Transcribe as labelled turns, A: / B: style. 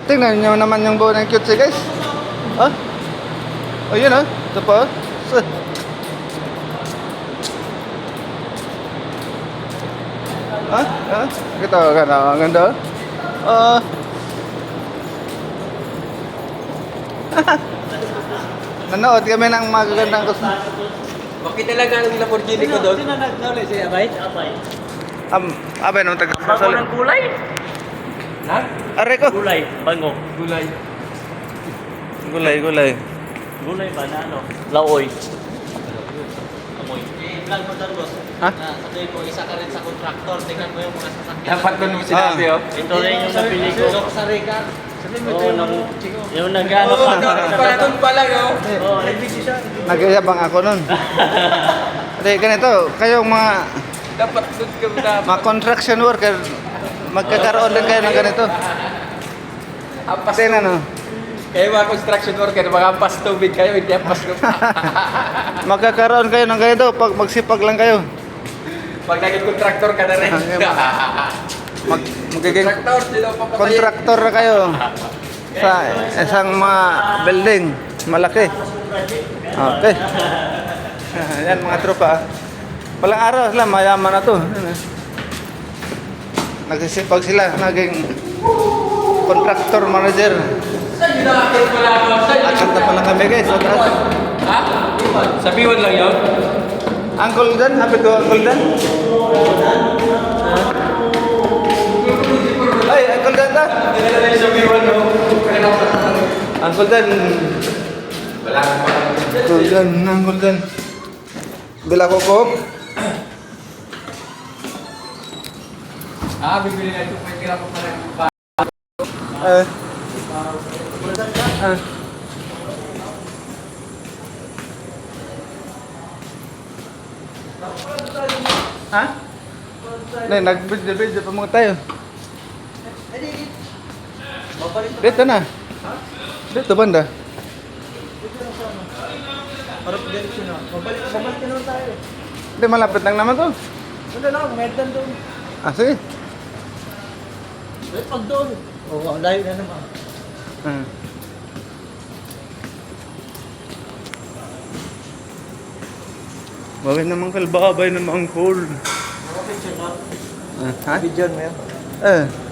A: Tingnan nyo naman yung buo ng cute guys. Oh. Oh, yun oh. Ito pa oh. Ah, ah. Kita kan ang ganda. Oh. Nanood kami ng magagandang
B: Bakit talaga ang Lamborghini ko doon?
C: Sino nag-nauli si Abay? Abay.
A: abay nung taga
C: Bago ng kulay?
B: Ha?
A: Are ko.
C: Gulay, bango.
B: Gulay.
A: Gulay.
C: Gulay ba na ano? Laoy. Amoy. Vlog mo doon, boss.
A: Ha?
C: Sabi ko, isa ka rin sa contractor. Tingnan mo yung mga sasakyan.
B: Dapat doon mo sinabi, oh.
C: Ito rin yung napili ko.
B: Sok sa Rica. Sabi mo ito
C: Yung nag-ano
B: Oo,
C: pa.
B: doon pala, oh.
C: Oo, nagbisi siya.
A: Nagyayabang ako nun. Hindi, ganito. Kayong
B: Dapat doon ka dapat.
A: mga construction worker, magkakaroon din kayo ng ganito.
B: Ampas
A: Tingnan no.
B: Kayo mga construction worker, mga ampas tubig kayo, hindi ampas ko.
A: Magkakaroon kayo ng ganito pag magsipag lang kayo.
B: Pag naging contractor ka na rin.
A: Magiging
B: Contractor, sino pa patay?
A: contractor na kayo sa isang mga building malaki. Okay. Yan mga tropa. Walang araw sila, mayaman na to. Nagsisipag sila, naging contractor manager.
B: Saan yun nakakit pala ako? Saan yun?
A: Akanta pa lang kami guys. Sa taas.
B: Ha? Sa Biwan lang yun?
A: Uncle Dan, happy to Uncle Dan. Ay, Uncle Dan ta.
B: Hindi na tayo sa Biwan, no?
A: Uncle Dan.
B: Wala ka pa.
A: Uncle Dan. Bila ko po.
B: Bibili na ito. May tira ko pala yung pa.
A: Ha? Nag-video pa mga tayo. Dito na. Dito banda.
C: Para pag-direksyon na. Mabalik ka naman tayo.
A: Hindi, malapit lang naman to.
C: Wala lang, medan doon.
A: Ah, sige.
C: Eh, pag doon. Oo, ang layo na naman.
A: Ah. Bakit naman kalbabay naman cool?
C: Picture na.
A: Ha?
C: Video mo yan.
A: Eh.